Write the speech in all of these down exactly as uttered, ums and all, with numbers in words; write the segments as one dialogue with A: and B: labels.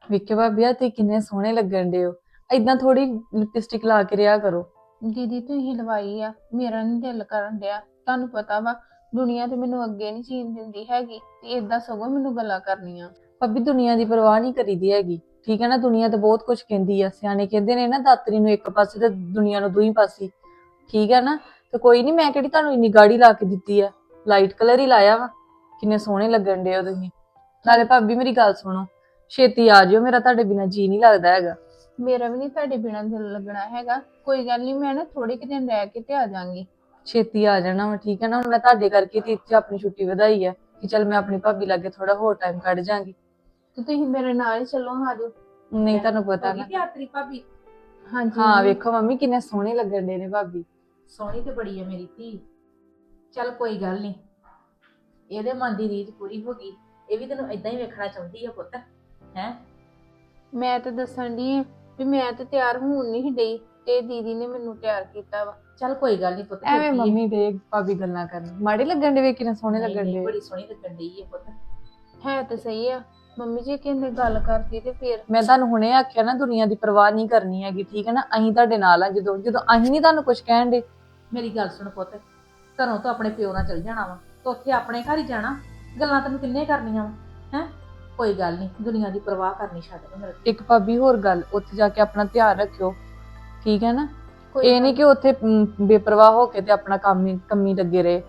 A: ਵੇਖੇ ਭਾਬੀ ਆ ਤੇ ਕਿੰਨੇ ਸੋਹਣੇ ਲੱਗਣ ਦੇ ਹੋ। ਏਦਾਂ ਥੋੜੀ ਲਿਪਸਟਿਕ ਲਾ ਕੇ ਰਿਆ ਕਰੋ।
B: ਦੀਦੀ ਤੁਸੀਂ ਲਵਾਈ ਆ, ਮੇਰਾ ਨੀ ਦਿਲ ਕਰਨ ਡਿਆ। ਤੁਹਾਨੂੰ ਪਤਾ ਵਾ ਦੁਨੀਆ ਤੇ ਮੈਨੂੰ ਅੱਗੇ ਨਹੀਂ ਜੀਣ ਦਿੰਦੀ ਹੈਗੀ ਤੇ ਏਦਾਂ ਸਗੋਂ ਮੈਨੂੰ ਗੱਲਾਂ ਕਰਨੀਆਂ।
A: ਭਾਬੀ ਦੁਨੀਆ ਦੀ ਪਰਵਾਹ ਨਹੀਂ ਕਰੀਦੀ ਹੈਗੀ, ਠੀਕ ਹੈ ਨਾ। ਦੁਨੀਆ ਤੇ ਬਹੁਤ ਕੁਝ ਕਹਿੰਦੀ ਆ, ਸਿਆਣੇ ਕਹਿੰਦੇ ਨੇ ਨਾ ਦਾਤਰੀ ਨੂੰ ਇੱਕ ਪਾਸੇ ਤੇ ਦੁਨੀਆ ਨੂੰ ਦੂਈ ਪਾਸੇ, ਠੀਕ ਹੈ ਨਾ। ਤੇ ਕੋਈ ਨਹੀਂ, ਮੈਂ ਕਿਹੜੀ ਤੁਹਾਨੂੰ ਇੰਨੀ ਗਾੜੀ ਲਾ ਕੇ ਦਿੱਤੀ ਆ, ਲਾਈਟ ਕਲਰ ਹੀ ਲਾਇਆ ਵਾ। ਕਿੰਨੇ ਸੋਹਣੇ ਲੱਗਣ ਦੇ ਹੋ ਤੁਸੀਂ। ਨਾਲੇ ਭਾਬੀ ਮੇਰੀ ਗੱਲ ਸੁਣੋ, ਛੇਤੀ ਆ ਜਿਓ, ਮੇਰਾ ਤੁਹਾਡੇ ਬਿਨਾਂ ਜੀ ਨਹੀਂ ਲੱਗਦਾ ਹੈਗਾ।
B: ਮੇਰਾ ਵੀ ਨਹੀਂ ਤੁਹਾਡੇ ਬਿਨਾਂ ਦਿਲ ਲੱਗਣਾ ਹੈਗਾ। ਕੋਈ ਗੱਲ ਨਹੀਂ, ਮੈਂ ਨਾ ਥੋੜੇ ਕੁ ਦਿਨ ਰਹਿ ਕੇ ਤੇ ਆ ਜਾਾਂਗੀ।
A: ਛੇਤੀ ਆ ਜਾਣਾ ਵਾ, ਠੀਕ ਹੈ ਨਾ। ਹੁਣ ਮੈਂ ਤੁਹਾਡੇ ਕਰਕੇ ਤੇ ਇੱਥੇ ਆਪਣੀ ਛੁੱਟੀ ਵਧਾਈ ਹੈ ਕਿ ਚੱਲ ਮੈਂ ਆਪਣੀ ਭਾਬੀ ਲਾਗੇ ਥੋੜਾ ਹੋਰ ਟਾਈਮ ਕੱਢ ਜਾਾਂਗੀ।
B: ਤੇ ਤੁਸੀਂ ਮੇਰੇ ਨਾਲ ਹੀ ਚੱਲੋ, ਆ ਜਾਓ।
A: ਨਹੀਂ ਤੁਹਾਨੂੰ ਪਤਾ ਨਾ।
C: ਤੇਰੀ ਭਾਬੀ
B: ਹਾਂਜੀ
A: ਹਾਂ
B: ਮੰਮੀ।
A: ਵੇਖੋ ਮੰਮੀ ਕਿੰਨੇ ਸੋਹਣੇ ਲੱਗਣ ਦੇ ਨੇ ਭਾਬੀ।
C: ਸੋਹਣੀ ਤੇ ਬੜੀ ਹੈ ਮੇਰੀ ਧੀ। ਚੱਲ ਕੋਈ ਗੱਲ ਨਹੀਂ, ਇਹਦੇ ਮਨ ਦੀ ਰੀਝ ਪੂਰੀ ਹੋ ਗਈ। ਇਹ ਵੀ ਤੈਨੂੰ ਏਦਾਂ ਹੀ ਵੇਖਣਾ ਚਾਹੁੰਦੀ ਆ ਪੁੱਤ। ਹੈ
B: ਮੈਂ ਤਾਂ ਦੱਸਣ ਦੀ ਆ ਵੀ ਮੈਂ ਤਾਂ ਤਿਆਰ ਹੋਣ ਨਹੀਂ ਡਈ ਤੇ ਦੀਦੀ ਨੇ ਮੈਨੂੰ ਤਿਆਰ ਕੀਤਾ ਵਾ।
C: ਚੱਲ ਕੋਈ ਗੱਲ ਨਹੀਂ ਪੁੱਤ।
A: ਐਵੇਂ ਮੰਮੀ ਦੇ ਭਾਬੀ ਗੱਲਾਂ ਕਰਨ ਮਾੜੇ ਲੱਗਣ ਦੇ, ਵੇ ਕਿੰਨੇ ਸੋਹਣੇ
C: ਨਹੀਂ
A: ਲੱਗਣ
C: ਨਹੀਂ,
A: ਦੇ।
C: ਬੜੀ ਸੋਹਣੀ ਲੱਗਣ ਡਈ ਹੈ ਪੁੱਤ।
B: ਹੈ ਤਾਂ ਸਹੀ ਆ ਮੰਮੀ ਜੀ, ਕਹਿੰਦੇ ਗੱਲ ਕਰਦੀ ਤੇ ਫੇਰ।
A: ਮੈਂ ਤੁਹਾਨੂੰ ਹੁਣੇ ਆਖਿਆ ਨਾ, ਦੁਨੀਆ ਦੀ ਪਰਵਾਹ ਨਹੀਂ ਕਰਨੀ ਹੈਗੀ, ਠੀਕ ਹੈ ਨਾ। ਅਸੀਂ ਤੁਹਾਡੇ ਨਾਲ ਆ, ਜਦੋਂ ਜਦੋਂ ਅਸੀਂ ਨਹੀਂ ਤੁਹਾਨੂੰ ਕੁਝ ਕਹਿਣ ਦੇ।
C: ਮੇਰੀ ਗੱਲ ਸੁਣ ਪੁੱਤ, ਘਰੋਂ ਤਾਂ ਆਪਣੇ ਪਿਓ ਨਾਲ ਚੱਲ ਜਾਣਾ ਵਾ, ਤਾਂ ਉੱਥੇ ਆਪਣੇ ਘਰ ਹੀ ਜਾਣਾ। ਗੱਲਾਂ ਤੈਨੂੰ ਕਿੰਨੇ ਕਰਨੀਆਂ ਵਾ। ਹੈ ਕੋਈ ਗੱਲ ਨਹੀਂ, ਦੁਨੀਆ ਦੀ ਪਰਵਾਹ ਕਰਨੀ ਛੱਡ ਦੇ ਮੇਰੇ।
A: ਇੱਕ ਭਾਬੀ ਹੋਰ ਗੱਲ, ਉੱਥੇ ਜਾ ਕੇ ਆਪਣਾ ਧਿਆਨ ਰੱਖਿਓ, ਠੀਕ ਹੈ ਨਾ।
B: ਕੋਈ
A: ਇਹ ਨਹੀਂ ਕਿ ਉੱਥੇ ਅਮ, ਬੇਪਰਵਾਹ ਹੋ ਕੇ ਤੇ ਆਪਣਾ ਕੰਮ ਹੀ ਕੰਮੀ ਲੱਗੇ ਰਹੇ।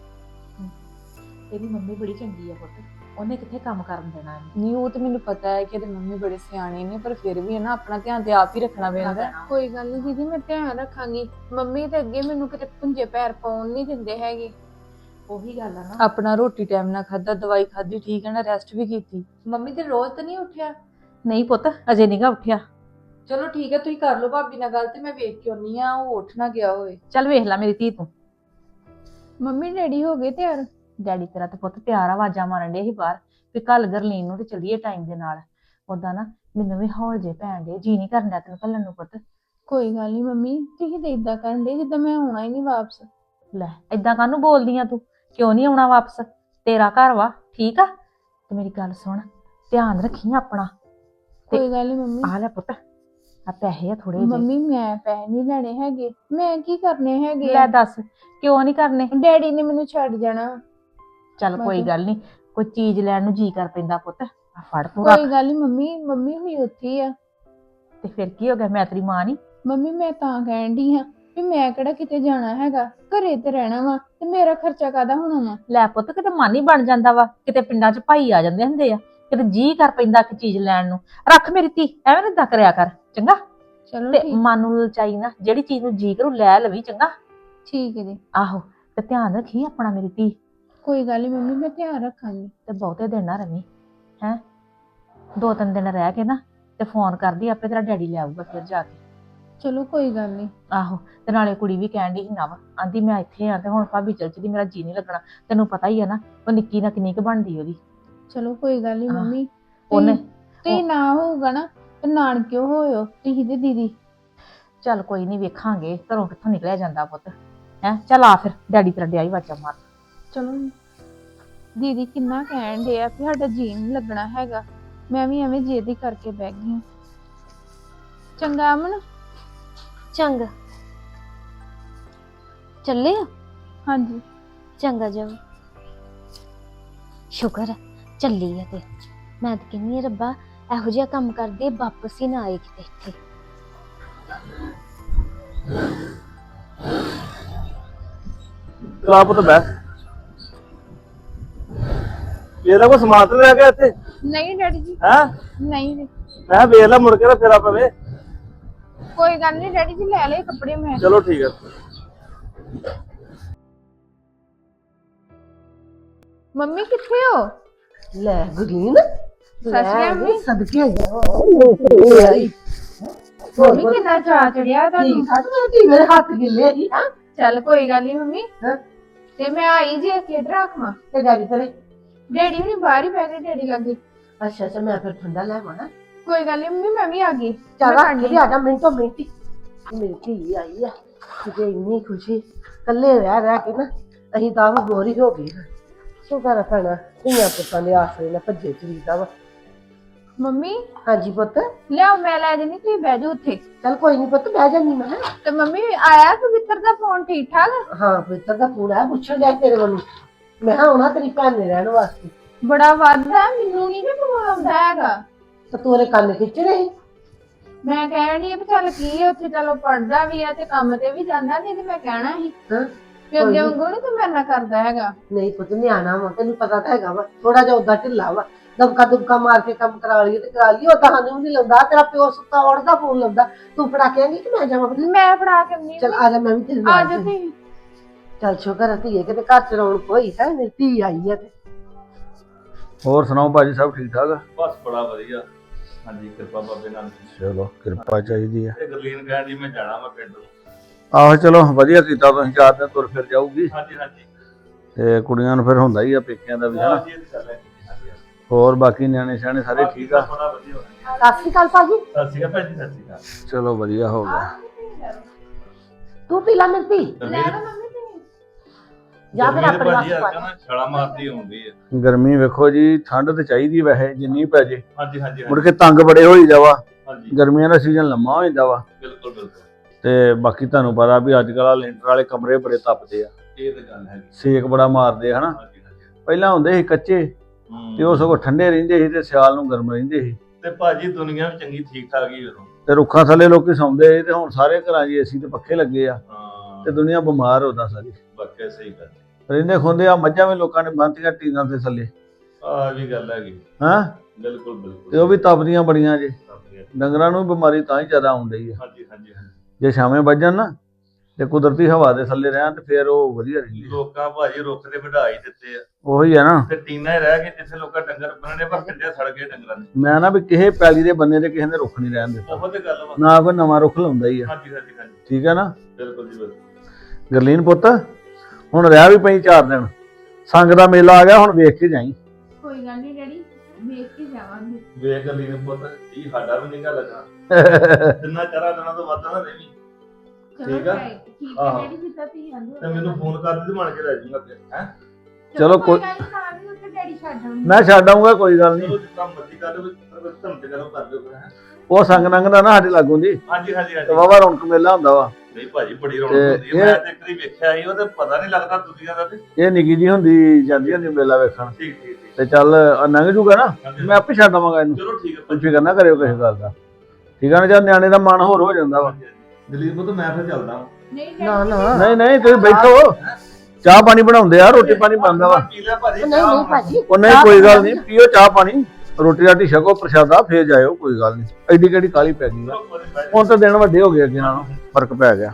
C: ਤੇਰੀ ਮੰਮੀ ਬੜੀ ਚੰਗੀ ਆ ਪੁੱਤ, ਉਹਨੇ ਕਿੱਥੇ ਕੰਮ ਕਰਨ ਦੇਣਾ ਇਹਨੂੰ।
A: ਨਹੀਂ ਉਹ ਤੇ ਮੈਨੂੰ ਪਤਾ ਹੈ ਕਿ ਇਹਦੇ ਮੰਮੀ ਬੜੇ ਸਿਆਣੇ ਨੇ, ਪਰ ਫਿਰ ਵੀ ਹੈ ਨਾ ਆਪਣਾ ਧਿਆਨ ਤੇ ਆਪ ਹੀ ਰੱਖਣਾ ਪੈਂਦਾ।
B: ਕੋਈ ਗੱਲ ਨਹੀਂ ਦੀਦੀ, ਮੈਂ ਧਿਆਨ ਰੱਖਾਂਗੀ। ਮੰਮੀ ਤੇ ਅੱਗੇ ਮੈਨੂੰ ਕਿਤੇ ਪੁੰਜੇ ਪੈਰ ਪਾਉਣ ਨਹੀਂ ਦਿੰਦੇ ਹੈਗੇ।
C: ਉਹੀ ਗੱਲ ਆ ਨਾ।
A: ਆਪਣਾ ਰੋਟੀ ਟਾਈਮ ਨਾਲ ਖਾਦਾ, ਦਵਾਈ ਖਾਦੀ, ਠੀਕ ਹੈ ਨਾ, ਰੈਸਟ ਵੀ ਕੀਤੀ।
C: ਮੰਮੀ ਤੇ ਰੋਜ਼ ਤਾਂ ਨਹੀਂ ਉੱਠਿਆ? ਨਹੀਂ ਪੁੱਤ, ਅਜੇ ਨਹੀਂਗਾ ਉੱਠਿਆ।
A: ਚਲੋ ਠੀਕ ਹੈ, ਤੁਸੀਂ ਕਰ ਲਓ ਭਾਬੀ ਨਾਲ ਗੱਲ ਤੇ ਮੈਂ ਵੇਖ ਕੇ ਆਉਣੀ ਆ, ਉਹ ਉੱਠ ਨਾ ਗਿਆ ਹੋਵੇ।
C: ਚੱਲ ਵੇਖ ਲੈ ਮੇਰੀ ਧੀ ਤੂੰ।
B: ਮੰਮੀ ਡੈਡੀ ਹੋ ਗਏ ਤਿਆਰ?
C: ਡੈਡੀ ਤੇਰਾ ਤੇ ਪੁੱਤ ਤਿਆਰ, ਆਵਾਜ਼ਾਂ ਮਾਰਨ ਡੇ ਸੀ ਬਾਹਰ ਵੀ ਕੱਲ ਗਰਲੀਨ ਨੂੰ ਤੇ ਚੱਲੀਏ ਟਾਈਮ ਦੇ ਨਾਲ। ਉਦਾਂ ਨਾ ਮੈਨੂੰ ਵੀ ਹੌਲ ਜੇ ਪੈਣ ਦੇ, ਜੀ ਨਹੀਂ ਕਰਨ ਡਿਆ ਤੈਨੂੰ ਘੱਲਣ ਨੂੰ ਪੁੱਤ।
B: ਕੋਈ ਗੱਲ ਨਹੀਂ ਮੰਮੀ, ਤੁਸੀਂ ਤੇ ਇਦਾਂ ਕਰਨ ਦੇ ਜਿੱਦਾਂ ਮੈਂ ਆਉਣਾ ਹੀ ਨਹੀਂ ਵਾਪਸ।
C: ਲੈ ਏਦਾਂ ਕਾਹਨੂੰ ਬੋਲਦੀ ਆ ਤੂੰ? ਕਿਉਂ ਨਹੀਂ ਆਉਣਾ ਵਾਪਸ? ਤੇਰਾ ਘਰ ਵਾ, ਠੀਕ ਆ। ਤੇ ਮੇਰੀ ਗੱਲ ਸੁਣ, ਧਿਆਨ ਰੱਖੀ ਆਪਣਾ।
B: ਕੋਈ ਗੱਲ ਨਹੀਂ ਮੰਮੀ।
C: ਆ ਲੈ ਪੁੱਤ, ਆ ਪੈਸੇ ਆ ਥੋੜੇ ਜਿਹੇ।
B: ਮੰਮੀ ਮੈਂ ਪੈਸੇ ਨਹੀਂ ਲੈਣੇ ਹੈਗੇ, ਮੈਂ ਕੀ ਕਰਨੇ ਹੈਗੇ
C: ਲੈ
B: ਆ?
C: ਦੱਸ, ਕਿਉਂ ਨਹੀਂ ਕਰਨੇ?
B: ਡੈਡੀ ਨੇ ਮੈਨੂੰ ਛੱਡ ਜਾਣਾ।
C: ਚੱਲ ਕੋਈ ਗੱਲ ਨਹੀਂ, ਕੋਈ ਚੀਜ਼ ਲੈਣ ਨੂੰ ਜੀ ਕਰ ਪੈਂਦਾ ਪੁੱਤ। ਆ ਫੜ ਤੂੰ
B: ਕੋਈ
C: ਰੱਖ।
B: ਗੱਲ ਨਹੀਂ ਮੰਮੀ, ਮੰਮੀ ਵੀ ਉੱਥੇ ਹੀ ਆ।
C: ਤੇ ਫਿਰ ਕੀ ਹੋ ਗਿਆ, ਮੈਂ ਤੇਰੀ ਮਾਂ ਨਹੀਂ?
B: ਮੰਮੀ ਮੈਂ ਤਾਂ ਕਹਿਣ ਡਈ ਹਾਂ ਵੀ ਮੈਂ ਕਿਹੜਾ ਕਿਤੇ ਜਾਣਾ ਹੈਗਾ, ਘਰੇ ਤੇ ਰਹਿਣਾ ਵਾ, ਤੇ ਮੇਰਾ ਖਰਚਾ ਕਾਹਦਾ ਹੋਣਾ ਵਾ?
C: ਲੈ ਪੁੱਤ, ਕਿਤੇ ਮਨ ਹੀ ਬਣ ਜਾਂਦਾ ਵਾ। ਕਿਤੇ ਪਿੰਡਾਂ 'ਚ ਭਾਈ ਆ ਜਾਂਦੇ ਹੁੰਦੇ ਆ, ਕਿਤੇ ਜੀ ਕਰ ਪੈਂਦਾ ਕਿ ਚੀਜ਼ ਲੈਣ ਨੂੰ। ਰੱਖ ਮੇਰੀ ਧੀ, ਐਵੇਂ ਨਾ ਏਦਾਂ ਕਰਿਆ ਕਰ, ਚੰਗਾ।
B: ਚਲੋ
C: ਤੇ
B: ਠੀਕ।
C: ਮਨ ਨੂੰ ਲਚਾਈ ਨਾ, ਜਿਹੜੀ ਚੀਜ਼ ਨੂੰ ਜੀ ਕਰੂ ਲੈ ਲਵੀ, ਚੰਗਾ।
B: ਠੀਕ ਹੈ ਜੀ।
C: ਆਹੋ, ਤੇ ਧਿਆਨ ਰੱਖੀ ਆਪਣਾ ਮੇਰੀ ਧੀ।
B: ਕੋਈ ਗੱਲ ਨਹੀਂ ਮੰਮੀ, ਮੈਂ ਧਿਆਨ ਰੱਖਾਂਗੀ।
C: ਤੇ ਬਹੁਤੇ ਦਿਨ ਨਾ ਰਵੀ, ਹੈ ਦੋ ਤਿੰਨ ਦਿਨ ਰਹਿ ਕੇ ਨਾ ਤੇ ਫੋਨ ਕਰਦੀ, ਆਪੇ ਤੇਰਾ ਡੈਡੀ ਲੈ ਆਊਗਾ ਫਿਰ ਜਾ ਕੇ।
B: ਚਲੋ ਕੋਈ ਗੱਲ ਨਹੀਂ।
C: ਆਹੋ, ਤੇ ਨਾਲੇ ਕੁੜੀ ਵੀ ਕਹਿਣ ਡਈ ਸੀ ਨਾ ਵਾ, ਆਂਦੀ ਮੈਂ ਇੱਥੇ ਆ ਤੇ ਹੁਣ ਭਾਬੀ ਚਲ ਚਲੀ, ਮੇਰਾ ਜੀ ਨਹੀਂ ਲੱਗਣਾ। ਤੈਨੂੰ ਪਤਾ ਹੀ ਆ ਨਾ, ਉਹ ਨਿੱਕੀ ਨਾ ਕਿੰਨੀ ਕੁ ਬਣਦੀ ਉਹਦੀ।
B: ਚਲੋ ਕੋਈ ਗੱਲ ਨਹੀਂ
C: ਹਾਂ,
B: ਮੰਮੀ।
C: ਉਹਨੇ
B: ਤੇ ਨਾ ਹੋਊਗਾ ਨਾ ਤੇ ਨਾਨਕਿਓ ਹੋਇਓ ਤੁਸੀਂ ਤੇ ਦੀਦੀ।
C: ਚੱਲ ਕੋਈ ਨਹੀਂ, ਵੇਖਾਂਗੇ ਘਰੋਂ ਕਿੱਥੋਂ ਨਿਕਲਿਆ ਜਾਂਦਾ ਪੁੱਤ। ਹੈ ਚੱਲ ਆ ਫਿਰ, ਡੈਡੀ ਤੇਰਾ ਡਿਆ ਹੀ ਵਾਚਾ ਮਾਰ।
B: ਚਲੋ ਦੀਦੀ ਕਿੰਨਾ ਕਹਿਣ ਦੇ ਆ ਕਿ ਸਾਡਾ ਜੀ ਨਹੀਂ ਲੱਗਣਾ ਹੈਗਾ, ਮੈਂ ਵੀ ਐਵੇਂ ਜਿੱਦ ਹੀ ਕਰਕੇ ਬਹਿ ਗਈ ਹਾਂ। ਚੰਗਾ ਅਮਨ।
D: ਚੰਗਾ ਚੱਲੇ ਆ?
B: ਹਾਂਜੀ।
D: ਚੰਗਾ ਜਾਓ। ਸ਼ੁਕਰ ਹੈ ਚੱਲੀ ਆ। ਤੇ ਮੈਂ ਤਾਂ ਕਹਿੰਦੀ ਆ ਰੱਬਾ, ਇਹੋ ਜਿਹਾ ਕੰਮ ਕਰਦੇ ਵਾਪਸ ਹੀ ਨਾ ਆਏ ਕਿਤੇ ਇੱਥੇ।
E: ਚਲਾ ਪੁੱਤ ਬੈ। ਇਹਦਾ ਕੋਈ ਸਮਾਨ ਤੇ ਲੈ ਗਿਆ ਇੱਥੇ?
B: ਨਹੀਂ ਡੈਡੀ ਜੀ।
E: ਹੈ
B: ਨਹੀਂ ਜੀ।
E: ਮੈਂ ਵੇਖ ਲਾ, ਮੁੜ ਕੇ ਨਾ ਫੇਰਾ ਪਵੇ।
B: ਕੋਈ ਗੱਲ ਨਹੀਂ ਡੈਡੀ ਜੀ, ਲੈ ਲਏ ਕੱਪੜੇ ਮੈਂ।
E: ਚਲੋ ਠੀਕ ਹੈ।
B: ਮੰਮੀ ਕਿੱਥੇ ਹੋ?
F: ਲੈ ਗੁਰੀਨ,
B: ਸੱਚਿਆ ਮੰਮੀ।
F: ਸਦਕੇ ਆਈ।
B: ਮੰਮੀ ਕਿੰਨਾ ਚਾਅ ਚੜਿਆ ਤੁਹਾਨੂੰ।
F: ਠੀਕ ਮੇਰੇ ਹੱਥ ਗਿੱਲੇ ਸੀ। ਹਾਂ
B: ਚੱਲ ਕੋਈ ਗੱਲ ਨਹੀਂ ਮੰਮੀ।
F: ਹਾਂ।
B: ਤੇ ਮੈਂ ਆਈ ਜੇ ਖੇਡ ਰੱਖਵਾਂ।
F: ਤੇ ਡੈਡੀ ਤੇਰੇ?
B: ਡੈਡੀ ਹੁਣੀ ਬਾਹਰ ਹੀ ਪੈ ਗਏ, ਡੈਡੀ ਲੱਗੇ।
F: ਅੱਛਾ ਅੱਛਾ, ਮੈਂ ਫਿਰ ਠੰਡਾ ਲੈ ਆਵਾਂ।
B: ਕੋਈ ਗੱਲ ਨਹੀਂ ਮੰਮੀ, ਮੈਂ ਵੀ ਆ ਗਈ।
F: ਚੱਲ
B: ਮੈਂ
F: ਰੱਖ
B: ਖਾਣੀ
F: ਕੇ ਆ ਜਾ ਮਿੰਟੋ ਮਿੰਟੀ। ਮੇਰੀ ਧੀ ਆਈ ਆ, ਕਿਤੇ ਇੰਨੀ ਖੁਸ਼ੀ। ਇਕੱਲੇ ਰਹਿ ਰਹਿ ਕੇ ਨਾ ਅਸੀਂ ਤਾਂ ਆਪ ਬੋਰ ਹੀ ਹੋ ਗਏ। ਸ਼ੁਕਰ ਆ ਭੈਣਾ, ਧੀਆਂ ਪੁੱਤਾਂ ਦੇ ਆਸਰੇ ਨਾਲ ਭੱਜੇ ਚਰੀਦਾ ਵਾ।
B: ਮੰਮੀ
F: ਹਾਂਜੀ ਪੁੱਤ,
B: ਲਿਆਓ ਮੈਂ ਲੈ ਜਾਨੀ, ਤੁਸੀਂ ਬਹਿ ਜਾਓ ਉੱਥੇ।
F: ਚੱਲ ਕੋਈ ਨਹੀਂ ਪੁੱਤ, ਬਹਿ ਜਾਂਦੀ ਮੈਂ।
B: ਤੇ ਮੰਮੀ ਆਇਆ ਪਵਿੱਤਰ ਦਾ ਫੋਨ ਠੀਕ ਠਾਕ?
F: ਹਾਂ ਪੁੱਤਰ ਦਾ ਫੋਨ ਆਇਆ, ਪੁੱਛਣ ਲਿਆ ਤੇਰੇ ਵੱਲੋਂ। ਮੈਂ ਕਿਹਾ ਆਉਣਾ ਤੇਰੀ ਭੈਣ ਨੇ ਰਹਿਣ ਵਾਸਤੇ।
B: ਬੜਾ ਵੱਧਦਾ, ਮੈਨੂੰ ਨਹੀਂ ਕਿ ਫੋਨ ਆਉਂਦਾ ਹੈਗਾ।
F: ਤੇ ਤੂੰ ਉਹਦੇ ਕੰਨ ਖਿੱਚ ਰਹੀ।
B: ਮੈਂ ਕਹਿਣ ਡਈ ਆ ਵੀ ਚੱਲ ਕੀ ਆ, ਉੱਥੇ ਚਲੋ ਪੜਦਾ ਵੀ ਆ ਤੇ ਕੰਮ ਤੇ ਵੀ ਜਾਂਦਾ, ਨਹੀਂ ਤੇ ਮੈਂ ਕਹਿਣਾ ਸੀ
F: ਹਾਂ
B: ਵੀ ਅੱਗੇ ਵਾਂਗੂ ਨੀ ਤੂੰ ਮੇਰੇ ਨਾਲ ਕਰਦਾ ਹੈਗਾ।
F: ਨਹੀਂ ਪੁੱਤ, ਨਿਆਣਾ ਵਾ, ਤੈਨੂੰ ਪਤਾ ਤਾਂ ਹੈਗਾ ਵਾ, ਥੋੜਾ ਜਿਹਾ ਉਦਾਂ ਢਿੱਲਾ ਵਾ। ਦਬਕਾ ਦੁਬਕਾ ਮਾਰ ਕੇ ਕੰਮ ਕਰਾ ਲਈਏ ਤੇ ਕਰਾ ਲਈਏ, ਉਦਾਂ ਸਾਨੂੰ ਵੀ ਨਹੀਂ ਲਾਉਂਦਾ। ਤੇਰਾ ਪਿਓ ਸੁੱਤਾ ਉੜਦਾ ਫੋਨ ਲਾਉਂਦਾ, ਤੂੰ ਫੜਾ ਕੇ ਆਂਗੀ ਕਿ ਮੈਂ ਜਾਵਾਂ?
B: ਮੈਂ ਫੜਾ ਕੇ ਆਉਂਦੀ
F: ਚੱਲ ਆ ਜਾ, ਮੈਂ ਵੀ ਤੇਰੇ
B: ਆ
F: ਨਾਲ
B: ਜਾ
F: ਚੱਲੀ।
B: ਤੁਸੀਂ।
F: ਚੱਲ ਸ਼ੁਕਰ ਹੈ ਧੀਏ, ਕਿਤੇ ਘਰ ਚ ਰੌਣਕ ਹੋਈ ਹੈ, ਮੇਰੀ ਧੀ ਆਈ ਹੈ ਤੇ।
G: ਹੋਰ ਸੁਣਾਓ ਭਾਜੀ, ਸਭ ਠੀਕ ਠਾਕ ਆ?
E: ਬਸ ਬੜਾ ਵਧੀਆ। ਹਾਂਜੀ, ਕਿਰਪਾ ਬਾਬੇ ਨਾਲ।
G: ਚਲੋ ਕਿਰਪਾ ਚਾਹੀਦੀ ਆ।
E: ਇਹ ਗਰਲੀਨ ਕਹਿਣ ਦੀ ਮੈਂ ਜਾਣਾ ਵਾ ਪਿੰਡ ਨੂੰ।
G: ਆਹੋ ਚਲੋ ਵਧੀਆ ਕੀਤਾ ਤੁਸੀਂ, ਚਾਰ ਦਿਨ ਤੁਰ ਫਿਰ ਜਾਊਗੀ
E: ਹਾਂਜੀ ਹਾਂਜੀ
G: ਤੇ ਕੁੜੀਆਂ ਨੂੰ ਫਿਰ ਹੁੰਦਾ ਹੀ ਆ ਪੇਕਿਆਂ ਦਾ ਵੀ ਹਨਾ।
E: ਹਾਂਜੀ, ਇਹ ਤਾਂ ਗੱਲ ਹੈ। ਹਾਂਜੀ, ਹਾਂਜੀ।
G: ਹੋਰ ਬਾਕੀ ਨਿਆਣੇ ਸਿਆਣੇ ਸਾਰੇ ਠੀਕ ਆ?
E: ਬੜਾ ਵਧੀਆ ਹੋ ਗਿਆ।
F: ਸਤਿ ਸ਼੍ਰੀ ਅਕਾਲ ਭਾਜੀ।
E: ਸਤਿ ਸ਼੍ਰੀ ਅਕਾਲ ਭੈਣ ਜੀ, ਸਤਿ ਸ਼੍ਰੀ ਅਕਾਲ।
G: ਚਲੋ ਵਧੀਆ ਹੋ ਗਿਆ।
F: ਤੂੰ ਪੀ ਲੈ ਮੇਰੀ ਧੀ,
B: ਲੈ ਲਓ ਮੰਮੀ ਤੁਸੀਂ।
F: ਜਾਂ ਫਿਰ ਆਪਣੇ
E: ਭਾਜੀ
F: ਵਾਸਤੇ ਪਾ
E: ਆ ਨਾ ਛਾਲਾ ਮਾਰਦੀ ਹੁੰਦੀ ਹੈ।
G: ਗਰਮੀ ਵੇਖੋ ਜੀ, ਠੰਡ ਤੇ ਚਾਹੀਦੀ ਵੈਸੇ ਜਿੰਨੀ ਪੈ ਜੇ,
E: ਹਾਂਜੀ ਹਾਂਜੀ
G: ਮੁੜ ਕੇ ਤੰਗ ਬੜੇ ਹੋਈ ਜਾਵਾ।
E: ਹਾਂਜੀ,
G: ਗਰਮੀਆਂ ਦਾ ਸੀਜ਼ਨ ਲੰਮਾ ਹੋ ਜਾਂਦਾ ਵਾ।
E: ਬਿਲਕੁਲ ਬਿਲਕੁਲ।
G: ਤੇ ਬਾਕੀ ਤੁਹਾਨੂੰ ਪਤਾ ਵੀ ਅੱਜ ਕੱਲ੍ਹ ਲੈਂਟਰ ਵਾਲੇ ਕਮਰੇ ਬੜੇ ਤਪਦੇ ਆ,
E: ਇਹ ਤਾਂ ਗੱਲ ਹੈਗੀ।
G: ਸੇਕ ਬੜਾ ਮਾਰਦੇ ਆ ਹਨਾ।
E: ਹਾਂਜੀ ਹਾਂਜੀ।
G: ਪਹਿਲਾਂ ਹੁੰਦੇ ਸੀ ਕੱਚੇ
E: ਹੂੰ।
G: ਤੇ ਉਹ ਸਗੋਂ ਠੰਡੇ ਰਹਿੰਦੇ ਸੀ ਤੇ ਸਿਆਲ ਨੂੰ ਗਰਮ ਰਹਿੰਦੇ ਸੀ।
E: ਤੇ ਭਾਜੀ ਦੁਨੀਆ ਵੀ ਚੰਗੀ ਠੀਕ ਠਾਕ ਹੀ ਉਦੋਂ।
G: ਤੇ ਰੁੱਖਾਂ ਥੱਲੇ ਲੋਕੀ ਸੌਂਦੇ ਸੀ ਤੇ ਹੁਣ ਸਾਰੇ ਘਰਾਂ 'ਚ ਏਸੀ ਤੇ ਪੱਖੇ ਲੱਗੇ ਆ
E: ਹਾਂ,
G: ਤੇ ਦੁਨੀਆ ਬਿਮਾਰ ਹੋਦਾ ਸਾਰੀ।
E: ਵਾਕਿਆ ਸਹੀ ਗੱਲ।
G: ਰਹਿੰਦੇ ਖੁੰਦੇ ਆ ਮੱਝਾਂ ਵੀ ਲੋਕਾਂ ਨੇ ਬੰਨ੍ਹਤੀਆਂ ਟੀਨਾਂ ਦੇ ਥੱਲੇ,
E: ਆਹ ਵੀ ਗੱਲ ਹੈਗੀ।
G: ਹਾਂ
E: ਬਿਲਕੁਲ ਬਿਲਕੁਲ।
G: ਤੇ ਉਹ ਵੀ ਤਪਦੀਆਂ ਬੜੀਆਂ ਜੇ।
E: ਹਾਂਜੀ
G: ਡੰਗਰਾਂ ਨੂੰ ਵੀ ਬਿਮਾਰੀ ਤਾਂ ਹੀ ਜ਼ਿਆਦਾ ਆਉਣ ਡਈ ਆ।
E: ਹਾਂਜੀ ਹਾਂਜੀ।
G: ਜੇ ਛਾਵੇਂ ਵੱਜਣ ਨਾ ਤੇ ਕੁਦਰਤੀ ਹਵਾ ਦੇ ਥੱਲੇ ਰਹਿਣ ਤੇ ਫਿਰ ਉਹ ਵਧੀਆ ਰਹਿੰਦੀ ਆ।
E: ਲੋਕਾਂ ਭਾਜੀ ਰੁੱਖ ਤੇ ਵਢਾ ਹੀ ਦਿੱਤੇ ਆ
G: ਉਹੀ ਆ ਨਾ,
E: ਤੇ ਟੀਨਾਂ ਹੀ ਰਹਿ ਗਏ ਜਿੱਥੇ ਲੋਕਾਂ ਡੰਗਰ ਬੰਨਣੇ, ਪਰ ਕਿੰਨੇ ਸੜ ਗਏ ਡੰਗਰਾਂ ਦੇ।
G: ਮੈਂ ਨਾ ਵੀ ਕਿਸੇ ਪੈਲੀ ਦੇ ਬੰਨੇ ਤੇ ਕਿਸੇ ਨੇ ਰੁੱਖ ਨਹੀਂ ਰਹਿਣ ਦਿੱਤਾ,
E: ਉਹ ਤੇ ਗੱਲ ਵਾ।
G: ਨਾ ਕੋਈ ਨਵਾਂ ਰੁੱਖ ਲਾਉਂਦਾ ਹੀ ਆ।
E: ਹਾਂਜੀ ਹਾਂਜੀ ਹਾਂਜੀ।
G: ਠੀਕ ਆ ਨਾ
E: ਬਿਲਕੁਲ ਜੀ ਬਿਲਕੁਲ।
G: ਗਰਲੀਨ ਪੁੱਤ, ਹੁਣ ਰਹਿ ਵੀ ਪਈ ਚਾਰ ਦਿਨ, ਸੰਗ ਦਾ ਮੇਲਾ ਆ ਗਿਆ, ਹੁਣ ਵੇਖ ਕੇ ਜਾਈ।
B: ਕੋਈ ਗੱਲ ਨਹੀਂ ਡੈਡੀ, ਵੇਖ ਕੇ ਜਾਵਾਂਗੇ।
E: ਵੇਖ ਲਈ ਨੇ ਪੁੱਤ, ਜੀ ਸਾਡਾ ਵੀ ਨਿਗਾ ਲੱਗਾ। ਤਿੰਨਾਂ ਚਾਰਾਂ ਦਿਨਾਂ ਤੋਂ ਵੱਧ ਨਾ ਰਹੀ।
B: ਚਲੋ
E: ਠੀਕ ਆ?
B: ਠੀਕ ਹੈ
E: ਆਹੋ।
B: ਡੈਡੀ, ਜਿੱਦਾਂ ਤੁਸੀਂ ਆਂਦੇ
E: ਤੇ ਮੈਨੂੰ ਫੋਨ ਕਰ ਦੇ, ਬਣ ਕੇ ਲੈ ਜਾਊਂਗਾ ਫਿਰ। ਹੈ
G: ਚਲੋ
B: ਕੋਈ
G: ਕੋਈ-
B: ਗੱਲ ਨੀ, ਤਾਂ ਵੀ ਉੱਥੇ ਡੈਡੀ ਛੱਡ ਆਉਣਗੇ।
G: ਮੈਂ ਛੱਡ ਆਊਂਗਾ, ਕੋਈ ਗੱਲ ਨਹੀਂ।
E: ਚਲੋ ਜਿੱਦਾਂ ਮਰਜ਼ੀ ਕਰ ਲਓ, ਪਰ ਧੰਮ ਤੇ ਕਰੋ ਕਰ ਦਿਓ ਫਿਰ। ਹੈਂ?
G: ਉਹ ਸੰਗ ਨੰਗ ਦਾ ਨਾ ਸਾਡੇ ਲਾਗੋਂ ਦੀ
E: ਹਾਂਜੀ ਹਾਂਜੀ
G: ਤੇ
E: ਹਾਂਜੀ।
G: ਵਾਵਾ ਰੌਣਕ ਮੇਲਾ ਹੁੰਦਾ ਵਾ।
E: ਨਹੀਂ ਭਾਜੀ, ਬੜੀ ਰੌਣਕ
G: ਤੇ
E: ਹੁੰਦੀ ਹੈ। ਮੈਂ ਤੇ ਇੱਕ ਵਾਰੀ ਵੇਖਿਆ ਸੀ, ਉਹ ਤੇ ਪਤਾ ਨਹੀਂ ਲੱਗਦਾ ਦੁਨੀਆ ਦਾ। ਤੇ
G: ਇਹ ਨਿੱਕੀ ਜੀ ਹੁੰਦੀ ਜਾਂਦੀ ਹੁੰਦੀ ਮੇਲਾ ਵੇਖਣ।
E: ਠੀਕ ਠੀਕ ਠੀਕ।
G: ਤੇ ਚੱਲ ਆਹ ਲੰਘ ਜੂਗਾ ਨਾ,
E: ਹਾਂਜੀ।
G: ਮੈਂ ਆਪੇ ਛੱਡ ਆਵਾਂਗਾ ਇਹਨੂੰ।
E: ਚਲੋ ਠੀਕ ਹੈ
G: ਤੁਸੀਂ ਫਿਕਰ ਨਾ ਕਰਿਓ ਕਿਸੇ ਗੱਲ ਦਾ, ਠੀਕ ਆ ਨਾ? ਜਦ ਨਿਆਣੇ ਦਾ ਮਨ ਹੋਰ ਹੋ ਜਾਂਦਾ ਵਾ।
E: ਦਲੀਪ ਪੁੱਤ, ਮੈਂ ਫਿਰ ਚੱਲਦਾ ਹਾਂ।
B: ਨਹੀਂ
F: ਨਾ
B: ਡੈਡੀ,
F: ਨਾ
G: ਨਹੀਂ ਨਹੀਂ ਤੁਸੀਂ ਬੈਠੋ, ਚਾਹ ਪਾਣੀ ਬਣਾਉਂਦੇ ਆ, ਰੋਟੀ ਪਾਣੀ ਬਣਦਾ ਵਾ।
E: ਪੀ ਲਿਆ ਭਾਜੀ।
F: ਨਹੀਂ ਨਹੀਂ ਭਾਜੀ,
G: ਉਹ ਨਹੀਂ ਕੋਈ ਗੱਲ ਨਹੀਂ, ਪੀਓ ਚਾਹ ਪਾਣੀ, ਰੋਟੀ ਰਾਟੀ ਛਕੋ, ਪ੍ਰਸ਼ਾਦਾ, ਫੇਰ ਜਾਇਓ, ਕੋਈ ਗੱਲ ਨਹੀਂ। ਐਡੀ ਕਿਹੜੀ ਕਾਲੀ ਪੈ ਗਈ ਆ, ਹੁਣ ਤਾਂ ਦਿਨ ਵੱਡੇ ਹੋ ਗਏ, ਅੱਗੇ ਨਾਲੋਂ ਫਰਕ ਪੈ ਗਿਆ।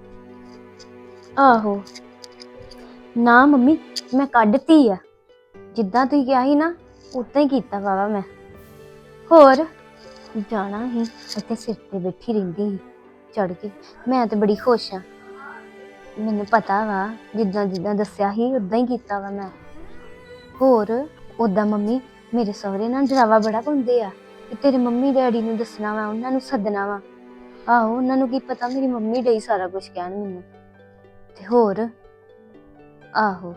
D: ਆਹੋ ਨਾ ਮੰਮੀ, ਮੈਂ ਕੱਢਤੀ ਆ, ਜਿੱਦਾਂ ਤੁਸੀਂ ਕਿਹਾ ਸੀ ਨਾ ਉਦਾਂ ਹੀ ਕੀਤਾ ਵਾਵਾ ਮੈਂ। ਹੋਰ ਜਾਣਾ ਹੀ, ਇੱਥੇ ਸਿਰ ਤੇ ਬੈਠੀ ਰਹਿੰਦੀ ਸੀ ਚੜ ਕੇ। ਮੈਂ ਤੇ ਬੜੀ ਖੁਸ਼ ਆ, ਮੈਨੂੰ ਪਤਾ ਵਾ ਜਿੱਦਾਂ ਜਿੱਦਾਂ ਦੱਸਿਆ ਸੀ ਉਦਾਂ ਹੀ ਕੀਤਾ ਵਾ ਮੈਂ। ਹੋਰ ਉਦਾਂ ਮੰਮੀ ਮੇਰੇ ਸਹੁਰੇ ਨਾਲ ਡਰਾਵਾ ਬੜਾ ਪਾਉਂਦੇ ਆ ਕਿ ਤੇਰੇ ਮੰਮੀ ਡੈਡੀ ਨੂੰ ਦੱਸਣਾ ਵਾ, ਉਹਨਾਂ ਨੂੰ ਸੱਦਣਾ ਵਾ। ਆਹੋ, ਉਹਨਾਂ ਨੂੰ ਕੀ ਪਤਾ ਮੇਰੀ ਮੰਮੀ ਡਈ ਸਾਰਾ ਕੁਝ ਕਹਿਣ ਮੈਨੂੰ। ਤੇ ਹੋਰ ਆਹੋ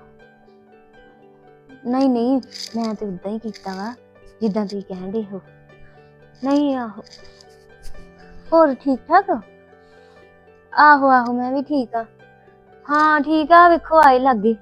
D: ਨਹੀਂ ਨਹੀਂ, ਮੈਂ ਤੇ ਉਦਾਂ ਹੀ ਕੀਤਾ ਵਾ ਜਿੱਦਾਂ ਤੁਸੀਂ ਕਹਿੰਦੇ ਹੋ। ਨਹੀਂ ਆਹੋ, ਹੋਰ ਠੀਕ ਠਾਕ? ਆਹੋ ਆਹੋ, ਮੈਂ ਵੀ ਠੀਕ ਆ। ਹਾਂ ਠੀਕ ਆ, ਵੇਖੋ ਆਏ ਲੱਗੇ।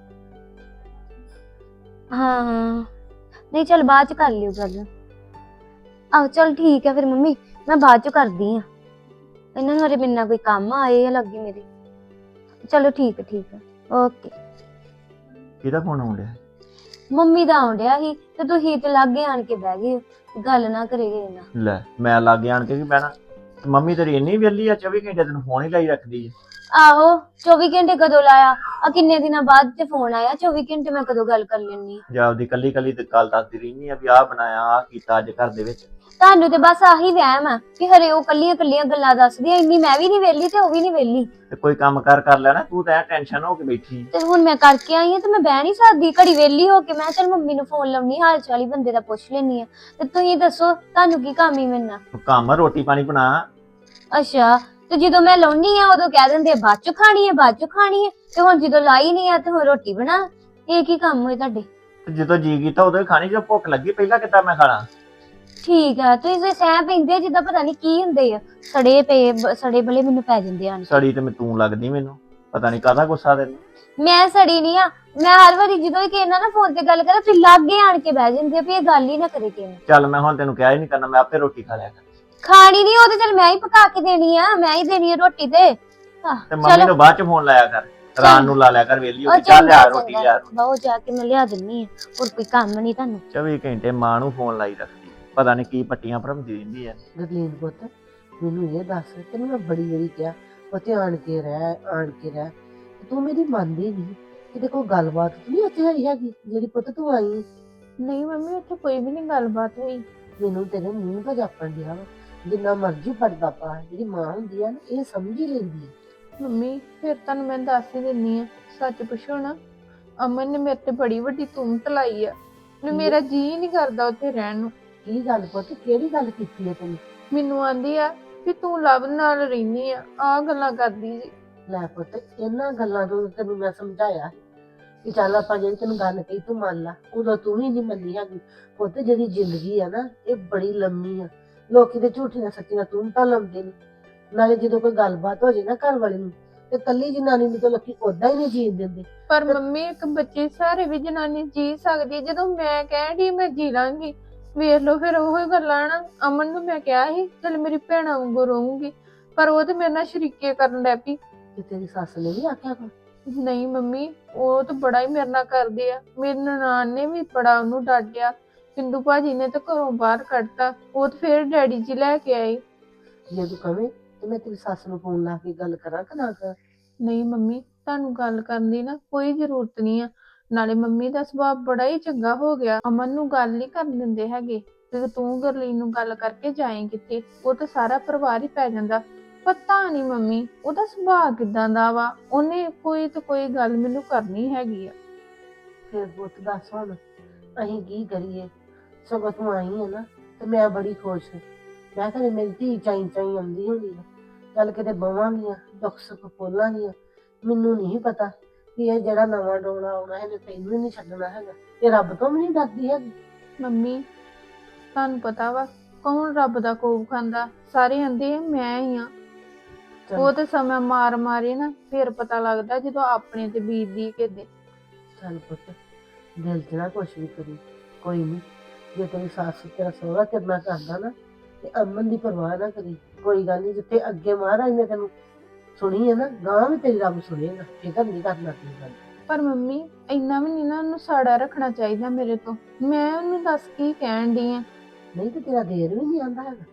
D: ਹਾਂ ਹਾਂ, ਨਹੀਂ ਚੱਲ ਬਾਅਦ ਚ ਕਰ ਲਿਓ ਗੱਲ। ਆਹੋ ਚਲ ਠੀਕ ਆ ਫਿਰ ਮੰਮੀ, ਮੈਂ ਬਾਅਦ ਚ ਕਰਦੀ ਆ। ਇਹਨਾਂ ਨੂੰ ਹਰੇ ਮੇਰੇ ਨਾਲ ਕੋਈ ਕੰਮ ਆਏ ਆ ਲੱਗੇ ਮੇਰੇ। ਚਲੋ ਠੀਕ ਹੈ ਠੀਕ ਹੈ, ਓਕੇ।
H: ਕਿਹਦਾ ਫੋਨ ਆਉਣ ਡਿਆ?
D: ਮੰਮੀ ਦਾ ਆਉਣ ਡਿਆ ਸੀ ਤੇ ਤੁਸੀਂ ਤੇ ਲਾਗੇ ਆਣ ਕੇ ਬਹਿ ਗਏ ਹੋ, ਗੱਲ ਨਾ ਕਰੇਗੇ ਨਾ।
H: ਲੈ ਮੈਂ ਲਾਗੇ ਆਣ ਕੇ ਕੀ ਬਹਿਣਾ? ਮੰਮੀ ਤੇਰੀ ਇੰਨੀ ਵਿਹਲੀ ਆ, ਚੌਵੀ ਘੰਟੇ ਤੈਨੂੰ ਫੋਨ ਹੀ ਲਾਈ ਰੱਖਦੀ ਹੈ।
D: ਆਹੋ ਚੌਵੀ ਘੰਟੇ ਕਦੋਂ ਲਾਇਆ ਆ? ਕਿੰਨੇ ਦਿਨਾਂ ਬਾਅਦ ਤੇ ਫੋਨ ਆਇਆ, ਚੌਵੀ ਘੰਟੇ ਮੈਂ ਕਦੋਂ ਗੱਲ ਕਰ ਲੈਣੀ ਆ?
H: ਜਾਂ ਆਪਦੀ ਕੱਲੀ ਕੱਲੀ ਤੇ ਗੱਲ ਦੱਸਦੀ ਰਹਿੰਦੀ ਆ ਵੀ ਆਹ ਬਣਾਇਆ, ਆਹ ਕੀਤਾ ਅੱਜ ਘਰ ਦੇ ਵਿੱਚ।
D: ਤੁਹਾਨੂੰ ਤੇ ਬਸ ਆਹੀ ਵਹਿਮ ਆ ਕਿ ਹਰੇ ਉਹ ਕੱਲੀਆਂ ਕੱਲੀਆਂ ਗੱਲਾਂ ਦੱਸਦੀਆਂ, ਇੰਨੀ ਮੈਂ ਵੀ ਨਹੀਂ ਵਿਹਲੀ ਤੇ ਉਹ ਵੀ ਨਹੀਂ ਵਿਹਲੀ।
H: ਤੇ ਕੋਈ ਕੰਮ ਕਾਰ ਕਰ ਲੈਣਾ, ਤੂੰ ਤਾਂ ਟੈਨਸ਼ਨ ਹੋ ਕੇ ਬੈਠੀ।
D: ਤੇ ਹੁਣ ਮੈਂ ਕਰਕੇ ਆਈ ਆ ਤੇ ਮੈਂ ਬਹਿ ਨਹੀਂ ਸਕਦੀ ਘੜੀ ਵਿਹਲੀ ਹੋ ਕੇ। ਮੈਂ ਚੱਲ ਮੰਮੀ ਨੂੰ ਫੋਨ ਲਾਉਣੀ, ਹਾਲ ਚਾਲ ਹੀ ਬੰਦੇ ਦਾ ਪੁੱਛ ਲੈਣੀ ਆ। ਤੇ ਤੁਸੀਂ ਦੱਸੋ ਤੁਹਾਨੂੰ ਕੀ ਕੰਮ ਹੀ ਮੇਰੇ ਨਾਲ?
H: ਤੂੰ ਕੰਮ ਰੋਟੀ ਪਾਣੀ ਬਣਾ।
D: ਅੱਛਾ, ਤੇ ਜਦੋਂ ਮੈਂ ਲਾਉਣੀ ਆ ਉਦੋਂ ਕਹਿ ਦਿੰਦੇ ਬਾਅਦ ਚ ਖਾਣੀ ਹੈ ਬਾਅਦ ਚ ਖਾਣੀ ਹੈ, ਤੇ ਹੁਣ ਜਦੋਂ ਲਾਈ ਨਹੀਂ ਆ ਤੇ ਹੁਣ ਰੋਟੀ ਬਣਾ। ਇਹ ਕੀ ਕੰਮ ਹੋਏ ਤੁਹਾਡੇ?
H: ਤੇ ਜਦੋਂ ਜੀ ਕੀਤਾ ਉਦੋਂ ਹੀ ਖਾਣੀ, ਜਦੋਂ ਭੁੱਖ ਲੱਗੀ ਪਹਿਲਾਂ ਕਿੱਦਾਂ ਮੈਂ ਖਾਣਾ?
D: ਠੀਕ ਆ ਤੁਸੀਂ ਤੇ ਸਹਿ ਪੈਂਦੇ ਆ ਜਿੱਦਾਂ ਪਤਾ ਨਹੀਂ ਕੀ ਹੁੰਦੇ ਆ ਸੜੇ ਪਏ ਬ- ਸੜੇ ਬਲੇ ਮੈਨੂੰ ਪੈ ਜਾਂਦੇ ਆ
H: ਸੜੀ ਤੇ ਮੈਂ ਤੂੰ ਲੱਗਦੀ ਮੈਨੂੰ ਪਤਾ ਨਹੀਂ ਕਾਹਦਾ ਗੁੱਸਾ ਤੈਨੂੰ।
D: ਮੈਂ ਸੜੀ ਨਹੀਂ ਆ ਮੈਂ ਹਰ ਵਾਰੀ ਜਦੋਂ ਵੀ ਕਿਸੇ ਨਾਲ ਨਾ ਫੋਨ ਤੇ ਗੱਲ ਕਰਾਂ ਤੁਸੀਂ ਲਾਗੇ ਆਣ ਕੇ ਬਹਿ ਜਾਂਦੇ ਆ ਵੀ ਇਹ ਗੱਲ ਹੀ ਨਾ ਕਰੇ ਕਿਸੇ ਨਾਲ।
H: ਚੱਲ ਮੈਂ ਹੁਣ ਤੈਨੂੰ ਕਿਹਾ ਹੀ ਨਹੀਂ ਕਰਨਾ, ਮੈਂ ਆਪੇ ਰੋਟੀ ਖਾ ਲਿਆ ਕਰ।
D: ਖਾਣੀ ਨਹੀਂ ਉਹ ਤੇ ਚਲ ਮੈਂ ਹੀ ਪਕਾ ਕੇ ਦੇਣੀ ਆ ਮੈਂ ਹੀ ਦੇਣੀ ਆ ਰੋਟੀ ਤੇ ਆਹ,
H: ਤੇ ਮੰਮੀ
D: ਚਲੋ
H: ਨੂੰ ਬਾਅਦ ਚ ਫੋਨ ਲਾਇਆ ਕਰ, ਰਾਤ ਨੂੰ ਲਾ ਲਿਆ ਕਰ ਵੇਲੀ ਹੋ
D: ਉਹ
H: ਕੇ, ਚੱਲ ਲਿਆ
D: ਚੰਗਾ
H: ਰੋਟੀ
D: ਚੰਗਾ
H: ਲਿਆ।
D: ਬਹੁਤ ਜਾ ਕੇ ਮੈਂ ਲਿਆ ਦਿੰਨੀ ਆ ਹੋਰ ਕੋਈ ਕੰਮ ਨਹੀਂ ਤੁਹਾਨੂੰ।
H: ਚੌਵੀ ਘੰਟੇ ਮਾਂ ਨੂੰ ਫੋਨ ਲਾਈ ਰੱਖਦੀ, ਪਤਾ ਨਹੀਂ ਕੀ ਪੱਟੀਆਂ ਭਰਮਦੀ ਰਹਿੰਦੀ ਆ।
F: ਗਰਲੀਨ ਪੁੱਤ ਮੈਨੂੰ ਇਹ ਦੱਸ ਤੈਨੂੰ ਮੈਂ ਬੜੀ ਵਾਰੀ ਕਿਹਾ ਉੱਥੇ ਆਣ ਕੇ ਰਹਿ ਆਣ ਕੇ ਰਹਿ ਤੇ ਤੂੰ ਮੇਰੀ ਮੰਨਦੀ ਨਹੀਂ ਕਿਤੇ ਕੋਈ ਗੱਲਬਾਤ ਤਾਂ ਨਹੀਂ ਉੱਥੇ ਹੋਈ ਹੈਗੀ ਜਿਹੜੀ ਪੁੱਤ ਤੂੰ ਆਈ ਹੈ।
B: ਨਹੀਂ ਮੰਮੀ ਉੱਥੇ ਕੋਈ ਵੀ ਨਹੀਂ ਗੱਲਬਾਤ ਹੋਈ।
F: ਮੈਨੂੰ ਤੇਰੇ ਮੂੰਹ ਦਾ ਜਾਪਣ ਡਿਆ ਵਾ ਜਿੰਨਾ ਮਰਜ਼ੀ ਪੜਦਾ ਪਾ ਜਿਹੜੀ ਮਾਂ ਹੁੰਦੀ ਆ ਨਾ ਇਹ ਸਮਝ ਹੀ ਲੈਂਦੀ ਹੈ।
B: ਮੰਮੀ ਫਿਰ ਤੁਹਾਨੂੰ ਮੈਂ ਦੱਸ ਹੀ ਦਿੰਨੀ ਆ, ਸੱਚ ਪੁੱਛੋ ਨਾ ਅਮਨ ਨੇ ਮੇਰੇ ਤੇ ਬੜੀ ਵੱਡੀ ਤੁਮਤ ਲਾਈ ਆ ਤੇ ਮੇਰਾ ਜੀ ਨਹੀਂ ਕਰਦਾ ਉੱਥੇ ਰਹਿਣ ਨੂੰ।
F: ਕੀ ਗੱਲ ਪੁੱਤ ਕਿਹੜੀ ਗੱਲ ਕੀਤੀ ਹੈ ਤੈਨੂੰ?
B: ਮੈਨੂੰ ਆਂਦੀ ਆ ਵੀ ਤੂੰ ਲਵ ਨਾਲ ਰਹਿਨੀ ਆ, ਆ ਗੱਲਾਂ ਕਰਦੀ ਜੀ।
F: ਲੈ ਪੁੱਤ ਇਹਨਾਂ ਗੱਲਾਂ ਤੋਂ ਤੈਨੂੰ ਮੈਂ ਸਮਝਾਇਆ ਸੀ ਕਿ ਚੱਲ ਆਪਾਂ ਜਿਹੜੀ ਤੈਨੂੰ ਗੱਲ ਕਹੀ ਤੂੰ ਮੰਨ ਲਾ, ਉਦੋਂ ਤੂੰ ਵੀ ਨਹੀਂ ਮੰਨੀ ਹੈਗੀ। ਪੁੱਤ ਜਿਹੜੀ ਜ਼ਿੰਦਗੀ ਆ ਨਾ ਇਹ ਬੜੀ ਲੰਮੀ ਆ, ਲੋਕੀ ਤੇ ਝੂਠੀਆਂ ਸੱਚੀਆਂ ਤੂੰ ਤਾਂ ਲਾਉਂਦੇ ਨੇ। ਨਾਲੇ ਜਦੋਂ ਕੋਈ ਗੱਲਬਾਤ ਹੋ ਜੇ ਨਾ ਘਰ ਵਾਲੇ ਨੂੰ ਤੇ ਕੱਲੀ ਜਨਾਨੀ ਨੂੰ ਤਾਂ ਲੋਕੀ ਓਦਾਂ ਹੀ ਨਹੀਂ ਜੀਣ ਦਿੰਦੇ।
B: ਪਰ ਮੰਮੀ ਇੱਕ ਬੱਚੇ ਸਾਰੇ ਵੀ ਜਨਾਨੀ ਜੀ ਸਕਦੀ ਹੈ, ਜਦੋਂ ਮੈਂ ਕਹਿਣ ਡਈ ਮੈਂ ਜੀ ਲਾਂਗੀ। ਵੇਖ ਲਓ ਫਿਰ ਉਹੀ ਗੱਲਾਂ ਨਾ, ਅਮਨ ਨੂੰ ਮੈਂ ਕਿਹਾ ਸੀ ਚਲ ਮੇਰੀ ਭੈਣਾਂ ਵਾਂਗੂ ਰਹੂੰਗੀ, ਪਰ ਉਹ ਤੇ ਮੇਰੇ ਨਾਲ ਸ਼ਰੀਕੇ ਕਰਨ ਲੱਗ ਪਈ।
F: ਤੇ ਤੇਰੀ ਸੱਸ ਨੇ ਵੀ ਆਖਿਆ ਕੋਈ?
B: ਨਹੀਂ ਮੰਮੀ ਉਹ ਤਾਂ ਬੜਾ ਹੀ ਮੇਰੇ ਨਾਲ ਕਰਦੇ ਆ, ਮੇਰੀ ਨਨਾਣ ਨੇ ਵੀ ਬੜਾ ਉਹਨੂੰ ਡਾਂਟਿਆ, ਸਿੰਧੂ ਭਾਜੀ ਨੇ ਤਾਂ ਘਰੋਂ ਬਾਹਰ ਕੱਢਤਾ, ਉਹ ਤਾਂ ਫਿਰ ਡੈਡੀ ਜੀ ਲੈ ਕੇ ਆਏ।
F: ਜੇ ਤੂੰ ਕਵੇਂ ਤੇ ਮੈਂ ਤੇਰੀ ਸੱਸ ਨੂੰ ਫੋਨ ਲਾ ਕੇ ਗੱਲ ਕਰਾਂ ਕਿ ਨਾ ਕਰਾਂ?
B: ਨਹੀਂ ਮੰਮੀ ਤੁਹਾਨੂੰ ਗੱਲ ਕਰਨ ਦੀ ਨਾ ਕੋਈ ਜ਼ਰੂਰਤ ਨਹੀਂ ਆ, ਨਾਲੇ ਮੰਮੀ ਦਾ ਸੁਭਾਅ ਬੜਾ ਹੀ ਚੰਗਾ ਹੋ ਗਿਆ, ਅਮਨ ਨੂੰ ਗੱਲ ਨਹੀਂ ਕਰਨ ਦਿੰਦੇ ਹੈਗੇ। ਤੇ ਤੂੰ ਗਰਲੀਨ ਨੂੰ ਗੱਲ ਕਰਕੇ ਜਾਏ ਕਿਤੇ, ਉਹ ਤਾਂ ਸਾਰਾ ਪਰਿਵਾਰ ਹੀ ਪੈ ਜਾਂਦਾ। ਪਤਾ ਨਹੀਂ ਮੰਮੀ ਉਹਦਾ ਸੁਭਾਅ ਕਿਦਾਂ ਦਾ ਵਾ, ਉਹਨੇ ਕੋਈ ਤੇ ਕੋਈ ਗੱਲ ਮੈਨੂੰ ਕਰਨੀ ਹੈਗੀ ਆ।
F: ਫਿਰ ਪੁੱਤ ਦੱਸ ਹੁਣ ਅਸੀਂ ਕੀ ਕਰੀਏ? ਸਗੋਂ ਤੂੰ ਆਈ ਹੈ ਨਾ ਤੇ ਮੈਂ ਬੜੀ ਖੁਸ਼ ਹਾਂ। ਮੈਂ ਕਹਿੰਦੀ ਮੇਰੀ ਧੀ ਚਾਈ ਚਾਈ ਆਉਂਦੀ ਹੋਣੀ ਆ, ਚੱਲ ਕਿਤੇ ਬਵਾਂਗੀਆਂ ਦੁੱਖ ਸੁੱਖ ਖੋਲਾਂਗੀਆਂ। ਮੈਨੂੰ ਨਹੀਂ ਪਤਾ ਕਿ ਇਹ ਜਿਹੜਾ ਨਵਾਂ ਡੋਲਾ ਆਉਣਾ ਇਹਨੇ ਤੈਨੂੰ ਹੀ ਨਹੀਂ ਛੱਡਣਾ ਹੈਗਾ। ਇਹ ਰੱਬ ਤੋਂ ਵੀ ਨਹੀਂ ਡਰਦੀ ਹੈਗੀ।
B: ਮੰਮੀ ਤੁਹਾਨੂੰ ਪਤਾ ਵਾ ਕੌਣ ਰੱਬ ਦਾ ਕੋਪ ਖਾਂਦਾ, ਸਾਰੇ ਆਂਦੇ ਆ ਮੈਂ ਹੀ ਆ। ਉਹ ਤੇ ਸਮਾਂ ਮਾਰ ਮਾਰੇ ਨਾ ਫਿਰ ਪਤਾ ਲੱਗਦਾ ਜਦੋਂ ਆਪਣੇ ਤੇ ਬੀਤਦੀ ਕਿਤੇ।
F: ਚੱਲ ਪੁੱਤ ਦਿਲ 'ਚ ਨਾ ਕੁਛ ਵੀ ਕਰੀ, ਕੋਈ ਨਹੀਂ। ਜੇ ਤੇਰੀ ਸੱਸ ਤੇਰਾ ਸਹੁਰਾ ਤੇਰੇ ਨਾਲ ਕਰਦਾ ਨਾ ਤੇ ਅਮਨ ਦੀ ਪਰਵਾਹ ਨਾ ਕਰੀ, ਕੋਈ ਗੱਲ ਨਹੀਂ। ਜਿੱਥੇ ਅੱਗੇ ਮਹਾਰਾਜ ਨੇ ਤੈਨੂੰ ਸੁਣੀ ਹੈ ਨਾ ਗਾਂ ਵੀ ਤੇਰੀ ਰੱਬ ਸੁਣੇਗਾ, ਫਿਕਰ ਨਹੀਂ ਕਰਨਾ ਕੀ ਗੱਲ।
B: ਪਰ ਮੰਮੀ ਇੰਨਾ ਵੀ ਨਹੀਂ ਨਾ ਉਹਨੂੰ ਸਾੜਾ ਰੱਖਣਾ ਚਾਹੀਦਾ ਮੇਰੇ ਤੋਂ, ਮੈਂ ਉਹਨੂੰ ਦੱਸ ਕੀ ਕਹਿਣ ਡਈ ਆ।
F: ਨਹੀਂ ਤੇ ਤੇਰਾ ਦੇਰ ਵੀ ਨਹੀਂ ਆਂਦਾ ਹੈਗਾ।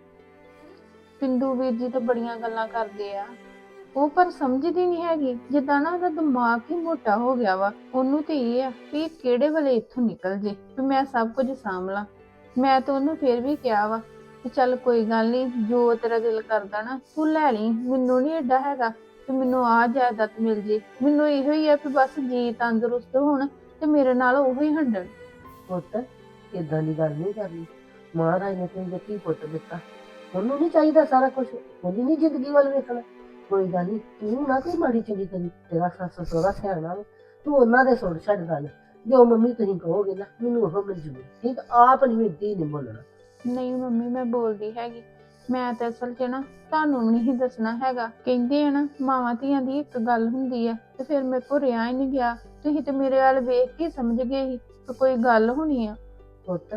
B: ਪਿੰਦੂ ਵੀਰ ਜੀ ਤਾਂ ਬੜੀਆਂ ਗੱਲਾਂ ਕਰਦੇ ਆ, ਉਹ ਪਰ ਸਮਝਦੀ ਨਹੀਂ ਹੈਗੀ। ਜਿੱਦਾਂ ਨਾ ਉਹਦਾ ਦਿਮਾਗ ਹੀ ਮੋਟਾ ਹੋ ਗਿਆ ਵਾ, ਉਹਨੂੰ ਤੇ ਇਹ ਆ ਵੀ ਇਹ ਕਿਹੜੇ ਵੇਲੇ ਇੱਥੋਂ ਨਿਕਲ ਜੇ ਵੀ ਮੈਂ ਸਭ ਕੁਝ ਸਾਂਭ ਲਾਂ। ਮੈਂ ਤਾਂ ਉਹਨੂੰ ਫਿਰ ਵੀ ਕਿਹਾ ਵਾ ਕਿ ਚੱਲ ਕੋਈ ਗੱਲ ਨਹੀਂ, ਜੋ ਤੇਰਾ ਦਿਲ ਕਰਦਾ ਨਾ ਤੂੰ ਲੈ ਲਈ, ਮੈਨੂੰ ਨਹੀਂ ਏਡਾ ਹੈਗਾ ਕਿ ਮੈਨੂੰ ਆਹ ਜਾਇਦਾਦ ਮਿਲ ਜੇ। ਮੈਨੂੰ ਇਹੋ ਹੀ ਆ ਵੀ ਬਸ ਜੀ ਤੰਦਰੁਸਤ ਹੋਣ ਤੇ ਮੇਰੇ ਨਾਲ ਉਹੀ ਹੰਡਣ।
F: ਪੁੱਤ ਏਦਾਂ ਦੀ ਗੱਲ ਨਹੀਂ ਕਰਨੀ। ਮਹਾਰਾਜ ਨੇ ਤੈਨੂੰ ਜੱਤੀ ਪੁੱਤ ਦਿੱਤਾ, ਉਹਨੂੰ ਨਹੀਂ ਚਾਹੀਦਾ ਸਾਰਾ ਕੁਝ, ਉਹਦੀ ਨਹੀਂ ਜ਼ਿੰਦਗੀ ਵੱਲ ਵੇਖਣਾ। ਕੋਈ ਗੱਲ ਨਹੀਂ ਤੂੰ ਨਾ ਕੋਈ ਮਾੜੀ ਚੰਗੀ ਕਰੀ, ਤੇਰਾ ਸੱਸ ਸਹੁਰਾ ਸਿਆਣਾ ਵਾ, ਤੂੰ ਉਹਨਾਂ ਦੇ ਸੁਣ ਛੱਡ ਗੱਲ। ਜੋ ਮੰਮੀ ਤੁਸੀਂ ਕਹੋਗੇ ਨਾ ਮੈਨੂੰ ਉਹ ਮਨਜ਼ੂਰ, ਠੀਕ। ਆਪ ਨਹੀਂ ਮਿੱਟੀ ਨਹੀਂ ਬੋਲਣਾ।
B: ਨਹੀਂ ਮੰਮੀ ਮੈਂ ਬੋਲਦੀ ਹੈਗੀ, ਮੈਂ ਤਾਂ ਅਸਲ 'ਚ ਨਾ ਤੁਹਾਨੂੰ ਵੀ ਨਹੀਂ ਦੱਸਣਾ ਹੈਗਾ। ਕਹਿੰਦੇ ਆ ਨਾ ਮਾਵਾਂ ਧੀਆਂ ਦੀ ਇੱਕ ਗੱਲ ਹੁੰਦੀ ਆ, ਤੇ ਫਿਰ ਮੇਰੇ ਕੋਲ ਰਿਹਾ ਹੀ ਨਹੀਂ ਗਿਆ। ਤੁਸੀਂ ਤੇ ਮੇਰੇ ਵੱਲ ਵੇਖ ਕੇ ਸਮਝ ਗਏ ਸੀ ਕਿ ਕੋਈ ਗੱਲ ਹੋਣੀ ਆ।
F: ਪੁੱਤ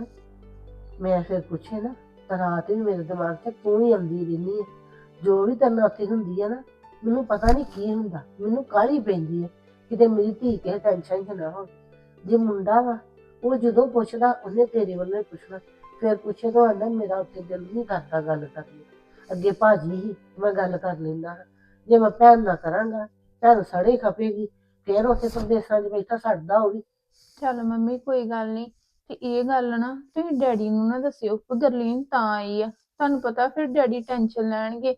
F: ਮੈਂ ਫਿਰ ਪੁੱਛੇ ਨਾ ਤਾਂ ਰਾਤ ਵੀ ਮੇਰੇ ਦਿਮਾਗ 'ਚ ਤੂੰ ਹੀ ਆਉਂਦੀ ਰਹਿੰਦੀ ਹੈ। ਜੋ ਵੀ ਤੇਰੇ ਨਾਲ ਉੱਥੇ ਹੁੰਦੀ ਹੈ ਨਾ ਮੈਨੂੰ ਪਤਾ ਨਹੀਂ ਕੀ ਹੁੰਦਾ, ਮੈਨੂੰ ਕਾਹਲੀ ਪੈਂਦੀ ਹੈ ਕਿਤੇ ਮੇਰੀ ਧੀ ਕਿਸੇ ਟੈਨਸ਼ਨ 'ਚ ਨਾ ਹੋ। ਜੇ ਮੁੰਡਾ ਵਾ ਉਹ ਜਦੋਂ ਪੁੱਛਦਾ ਉਹਨੇ ਤੇਰੇ ਵੱਲੋਂ ਹੀ ਪੁੱਛਣਾ, ਫਿਰ ਪੁੱਛੇ ਤਾਂ ਆਂਦਾ ਮੇਰਾ ਉੱਥੇ ਦਿਲ ਨਹੀਂ ਕਰਦਾ ਗੱਲ ਕਰਨੀ। ਅੱਗੇ ਭਾਜੀ ਹੀ ਮੈਂ ਗੱਲ ਕਰ ਲੈਂਦਾ, ਜੇ ਮੈਂ ਭੈਣ ਨਾ ਕਰਾਂਗਾ ਭੈਣ ਸੜੇ ਖਪੇਗੀ, ਫਿਰ ਉੱਥੇ ਸੰਦੇਸ਼ਾਂ 'ਚ ਬੈਠਾ ਛੱਡਦਾ ਉਹ ਵੀ।
B: ਚੱਲ ਮੰਮੀ ਕੋਈ ਗੱਲ ਨਹੀਂ, ਤੇ ਇਹ ਗੱਲ ਨਾ ਤੁਸੀਂ ਡੈਡੀ ਨੂੰ ਨਾ ਦੱਸਿਓ ਕਿ ਗਰਲੀਨ ਤਾਂ ਆਈ ਆ, ਤੁਹਾਨੂੰ ਪਤਾ ਫਿਰ ਡੈਡੀ ਟੈਨਸ਼ਨ ਲੈਣਗੇ।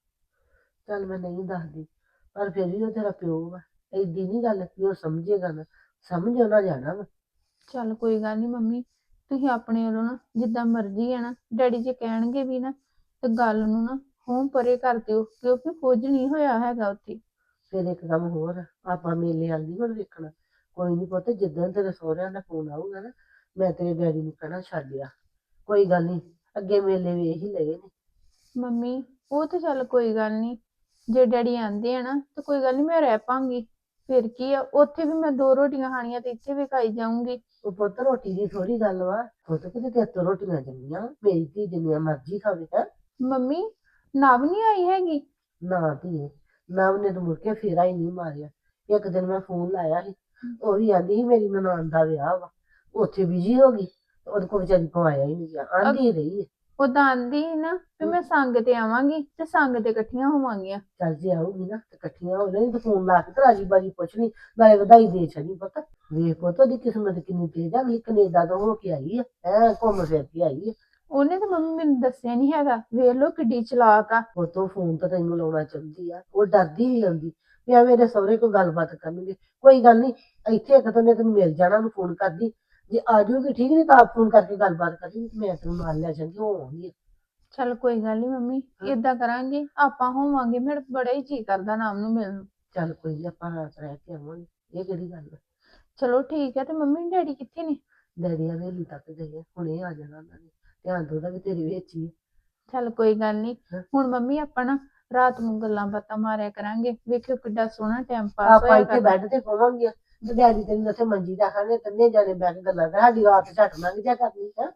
F: ਚੱਲ ਮੈਂ ਨਹੀਂ ਦੱਸਦੀ, ਪਰ ਫਿਰ ਵੀ ਉਹ ਤੇਰਾ ਪਿਓ ਵਾ, ਐਡੀ ਨਹੀਂ ਗੱਲ ਕਿ ਉਹ ਸਮਝੇਗਾ ਨਾ, ਸਮਝ ਉਹਨਾਂ ਜਾਣਾ ਵਾ।
B: ਚੱਲ ਕੋਈ ਗੱਲ ਨਹੀਂ ਮੰਮੀ, ਤੁਸੀਂ ਆਪਣੇ ਵੱਲੋਂ ਨਾ ਜਿੱਦਾਂ ਮਰਜ਼ੀ ਆ ਨਾ, ਡੈਡੀ ਜੇ ਕਹਿਣਗੇ ਵੀ ਨਾ ਤੇ ਗੱਲ ਨੂੰ ਨਾ ਹੋਂ ਪਰੇ ਕਰ ਦਿਓ, ਕਿਉਂਕਿ ਕੁਝ ਨਹੀਂ ਹੋਇਆ ਹੈਗਾ ਉੱਥੇ।
F: ਫਿਰ ਇੱਕ ਕੰਮ ਹੋਰ ਆ, ਆਪਾਂ ਮੇਲੇ ਵੱਲ ਨੀ ਹੁਣ ਵੇਖਣਾ। ਕੋਈ ਨਹੀਂ ਪੁੱਤ ਜਿੱਦਣ ਤੇਰੇ ਸਹੁਰਿਆਂ ਦਾ ਫੋਨ ਆਊਗਾ ਨਾ ਮੈਂ ਤੇਰੇ ਡੈਡੀ ਨੂੰ ਕਹਿਣਾ ਛੱਡਿਆ, ਕੋਈ ਗੱਲ ਨਹੀਂ ਅੱਗੇ ਮੇਲੇ ਵੇਖ ਹੀ ਲਏ ਨੇ।
B: ਮੰਮੀ ਉਹ ਤੇ ਚੱਲ ਕੋਈ ਗੱਲ ਨਹੀਂ, ਜੇ ਡੈਡੀ ਆਂਦੇ ਆ ਨਾ ਤਾਂ ਕੋਈ ਗੱਲ ਨਹੀਂ, ਮੈਂ ਰਹਿ ਪਾਂਗੀ। ਫਿਰ ਕੀ ਆ, ਉੱਥੇ ਵੀ ਮੈਂ ਦੋ ਰੋਟੀਆਂ ਖਾਣੀਆਂ ਤੇ ਇੱਥੇ ਵੀ ਖਾਈ ਜਾਊਂਗੀ।
F: ਉਹ ਪੁੱਤ ਰੋਟੀ ਦੀ ਥੋੜੀ ਗੱਲ ਵਾ, ਪੁੱਤ ਕਿਤੇ ਤੇਰੇ ਤੋਂ ਰੋਟੀਆਂ ਜੰਮੀਆਂ, ਮੇਰੀ ਧੀ ਜਿੰਨੀਆਂ ਮਰਜ਼ੀ ਖਾਵੇ ਹੈ।
B: ਮੰਮੀ ਨਵ ਨਹੀਂ ਆਈ ਹੈਗੀ?
F: ਨਾ ਧੀਏ, ਨਵ ਨੇ ਤਾਂ ਮੁੜ ਕੇ ਫੇਰਾ ਹੀ ਨਹੀਂ ਮਾਰਿਆ। ਇੱਕ ਦਿਨ ਮੈਂ ਫੋਨ ਲਾਇਆ ਸੀ, ਉਹ ਵੀ ਆਂਦੀ ਸੀ ਮੇਰੀ ਨਨਾਣ ਦਾ ਵਿਆਹ ਵਾ, ਉੱਥੇ ਬਿਜੀ ਹੋ ਗਈ, ਉਹਦੇ ਕੋਲ ਵਿਚਾਰੀ ਕੋ ਆਇਆ ਹੀ ਨਹੀਂ ਗਿਆ, ਆਂਦੀ ਰਹੀ ਹੈ।
B: ਉਦਾਂ ਆਂਦੀ ਸੀ ਨਾ ਵੀ ਮੈਂ ਸੰਗ ਤੇ ਆਵਾਂਗੀ ਤੇ ਸੰਗ ਤੇ ਇਕੱਠੀਆਂ ਹੋਵਾਂਗੀਆਂ।
F: ਚੱਲ ਜੇ ਆਊਗੀ ਨਾ ਤੇ ਇਕੱਠੀਆਂ ਹੋ ਜਾਣੀ, ਤੇ ਫੋਨ ਲਾ ਕੇ ਤੇ ਰਾਜੀ ਬਾਜੀ ਪੁੱਛ ਲਈ, ਨਾਲੇ ਵਧਾਈ ਦੇ ਛੜੀ। ਪਤਾ ਵੇਖ ਪੁੱਤ ਉਹਦੀ ਕਿਸਮਤ ਕਿੰਨੀ ਤੇਜ਼ ਆ, ਅਗਲੀ ਕੈਨੇਡਾ ਤੋਂ ਹੋ ਕੇ ਆਈ ਆ, ਐ ਘੁੰਮ ਫਿਰ ਕੇ ਆਈ ਆ।
B: ਉਹਨੇ ਤਾਂ ਮੰਮੀ ਮੈਨੂੰ ਦੱਸਿਆ ਨਹੀਂ ਹੈਗਾ, ਵੇਖ ਲੋ ਕਿੱਡੀ ਚਲਾਕ ਆ।
F: ਉਤੋਂ ਫੋਨ ਤਾਂ ਤੈਨੂੰ ਲਾਉਣਾ ਚਾਹੁੰਦੀ ਆ, ਉਹ ਡਰਦੀ ਨਹੀਂ ਆਉਂਦੀ ਵੀ ਐਵੇਂ ਮੇਰੇ ਸਹੁਰੇ ਕੋਈ ਗੱਲਬਾਤ ਕਰਨਗੇ। ਕੋਈ ਗੱਲ ਨਹੀਂ, ਇੱਥੇ ਇੱਕ ਤਾਂ ਨੇ ਤੈਨੂੰ ਮਿਲ ਜਾਣਾ, ਉਹਨੂੰ ਫੋਨ ਕਰਦੀ, ਜੇ ਆ ਜਾਊਗੀ ਠੀਕ, ਨਹੀਂ ਤਾਂ ਆਪ ਫੋਨ ਕਰਕੇ ਗੱਲਬਾਤ ਕਰਦੀ, ਮੈਂ ਤੈਨੂੰ ਨਾਲ ਲੈ ਜਾਂਦੀ, ਉਹ ਆਉਂਦੀ ਆ।
B: ਚੱਲ ਕੋਈ ਗੱਲ ਨਹੀਂ ਮੰਮੀ, ਏਦਾਂ ਕਰਾਂਗੇ ਆਪਾਂ ਹੋਵਾਂਗੇ, ਮੇਰਾ ਬੜਾ ਹੀ ਜੀ ਕਰਦਾ ਨਾਮ ਨੂੰ ਮਿਲਣ ਨੂੰ।
F: ਚੱਲ ਕੋਈ ਨੀ, ਆਪਾਂ ਰਾਤ ਰਹਿ ਕੇ ਆਵਾਂਗੇ, ਇਹ ਕਿਹੜੀ ਗੱਲ ਆ।
B: ਚਲੋ ਠੀਕ ਹੈ। ਤੇ ਮੰਮੀ ਡੈਡੀ ਕਿੱਥੇ ਨੇ?
F: ਡੈਡੀ ਹਵੇਲੀ ਤੱਕ ਗਏ ਆ, ਹੁਣੇ ਆ ਜਾਣਾ ਉਹਨਾਂ ਨੇ, ਧਿਆਨ ਤੋਂ ਉਹਦਾ ਵੀ ਤੇਰੇ ਵਿੱਚ ਹੀ ਆ।
B: ਚੱਲ ਕੋਈ ਗੱਲ ਨਹੀਂ,
F: ਹਾਂ।
B: ਹੁਣ ਮੰਮੀ ਆਪਾਂ ਨਾ ਰਾਤ ਨੂੰ ਗੱਲਾਂ ਬਾਤਾਂ ਮਾਰਿਆ ਕਰਾਂਗੇ, ਵੇਖਿਓ ਕਿੱਡਾ ਸੋਹਣਾ ਟਾਈਮ ਪਾਸ
F: ਆਪਾਂ
B: ਹੋਇਆ
F: ਇੱਥੇ
B: ਕਰਦਾ।
F: ਬੈੱਡ ਤੇ ਪਵਾਂਗੇ, ਤੇ ਡੈਡੀ ਤੈਨੂੰ ਉੱਥੇ ਮੰਜੀ ਦਾ ਖਾਣੇ, ਤਿੰਨੇ ਜਾਣੇ ਬੈਠ ਕੇ ਗੱਲਾਂ ਕਰ, ਸਾਡੀ ਰਾਤ ਝੱਟ ਲੰਘ ਜਾ ਕਰਨੀ ਹੈ।